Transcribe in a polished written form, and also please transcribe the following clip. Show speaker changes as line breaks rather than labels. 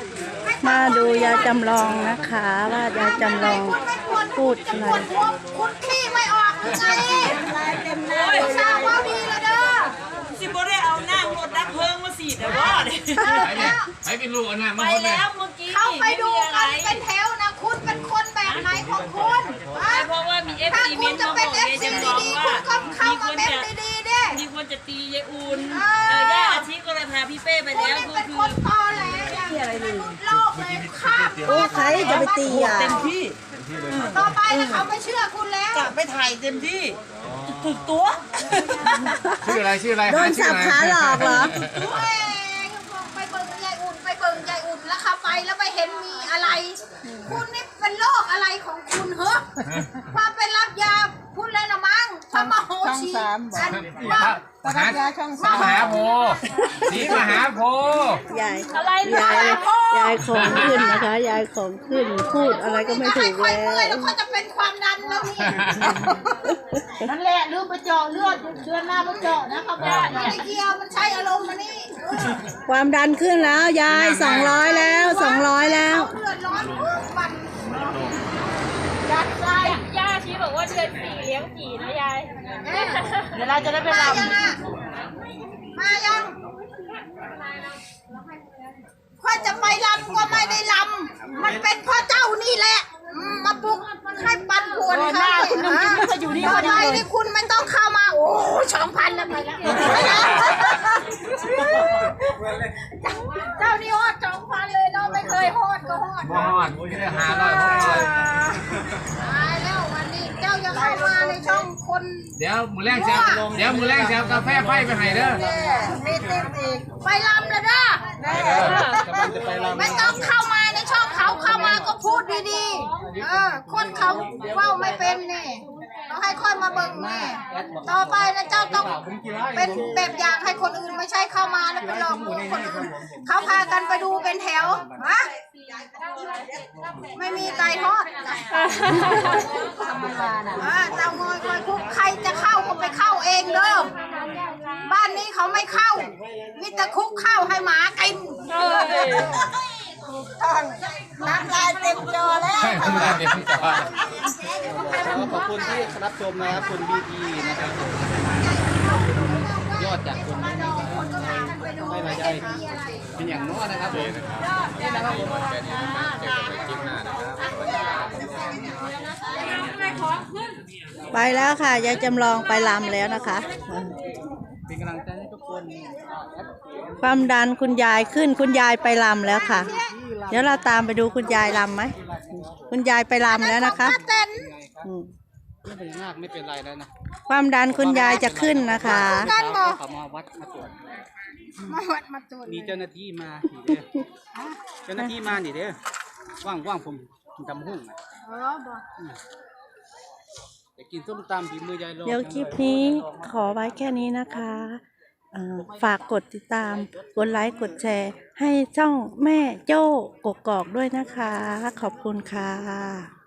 มาดูยายจำลองนะคะว่ายายจำลองพูดอะไร
คุณขี้ไม่ออกไงสาวว่าดีเลยเด้อ
สิบ่ได้เอาหน้ารถดับเพลิงมาสีแต่ว่า
ไปเป็นลูกเอาหน้า
ไปแล้วเมื่อกี้
เข้าไปดูกันเป็นแถวนะคุณเป็นคนแบบไหนของคุณ
เพราะว่ามีเอฟซีเมนต์มาบอกยายจำลองว่ามีคนจะตียายอุ่นย่าอาชีก็เลยพาพี่เป้ไปแล้วก็คือ
ตอแหลอะไรเลยโลกเลยข้าม
โอ้ใครจะไปตีอ่ะ
เต็มที่
ต่อไปเขาไม่เชื่อคุณแล้ว
จะไปถ่ายเต็มที่ถูกตัว
ชื่ออะไร
โดนสับขาหลอกเหรอ
ไปเบิ่งยายอุ่นแล้วเข้าไปแล้วไปเห็นมีอะไรคุณนี่เป็นโรคอะไรของคุณเหรอความเป็นรับยาพูดเลยนะมั้งพระมโหชี
มหาช่องสามมหาโพสีมหาโพ
ยายของขึ้นนะคะยายของขึ้นพูดอะไรก็ไม่ถูก
แล้วก็จะเป็นความดันแล้วนี่นั่นแหละลืมไปเจาะเลือดเดือนหน้าไปเจาะนะครับไม่เกี่ยวมันใช้อารมณ์มานี่
ความดันขึ้นแล้วยาย200แล้ว200แล้ว
เดือดร้อนวัน
ย่าชี้บอกว่าเดือน4เลี้ยง4นะยาย
เดี๋ยวเราจะได้ไปรำมายังพ่อจะไปรำก็ไม่ได้รำมันเป็นพ่อเจ้านี่แหละมาปลุกให้ปันป่วนเขาต่อไปนี่คุณไม่ต้องเข้ามาโอ้2,000แล้วไปแล้วเจ้านี่ฮอด2,000เลยเนาะไม่เคยฮอดก็ฮอด
ไม่ได้500
ตายแล้ววันนี้เจ้าอย่าเข้ามาในช่องคน
เดี๋ยวมือแรงแซวกาแฟไฟไปให้เด้อ
มีติ๊บอีกไปรำเลยเด้อไม่ต้องเข้ามาในช่องเขาเข้ามาก็พูดดีๆคนเขาเว้าไม่เป็นนี่ต้องให้ค่อยมาเบิ่งนี่ต่อไปนะเจ้าต้องเป็นแบบอย่างให้คนอื่นไม่ใช่เข้ามาแล้วไปหลอกลวงคนอื่นเขาพากันไปดูเป็นแถวฮะไม่มีไก่ทอดเจ้างอยคอยคุกใครจะเข้าก็ไปเข้าเองเด้อบ้านนี้เขาไม่เข้ามีแต่คุกเข้าให้หมากินน้ำลายเต็มจอแล้ว
น้ำลายเต็มจอ
ขอบคุณที่รับชมนะครับคุณบีทีนะครับยอดจากคนไม่มาใจเป็นอย่างน้อยนะครับนี่นะครับผม
ไปแล้วค่ะยายจำลองไปรำแล้วนะคะ
เป็นกำลังใจให้ทุกคน
ความดันคุณยายขึ้นคุณยายไปรำแล้วค่ะเดี๋ยวเราตามไปดูคุณยายรำไหมคุณยายไปรำแล้วนะคะ
ไม่เป็นมากไม่เป็นไรแล้วนะ
ความดันคุณยายจะขึ้นนะคะ
เขามาวัดมาตรวจมีเจ้าหน้าที่มาเจ้าหน้าที่มาเด้อว่างผมทำหุ้งจะกินส้มตำฝีมือยายลง
เดี๋ยวคลิปนี้ขอไว้แค่นี้นะคะฝากกดติดตามกดไลค์กดแชร์ให้ช่องแม่โจ้กกอกด้วยนะคะขอบคุณค่ะ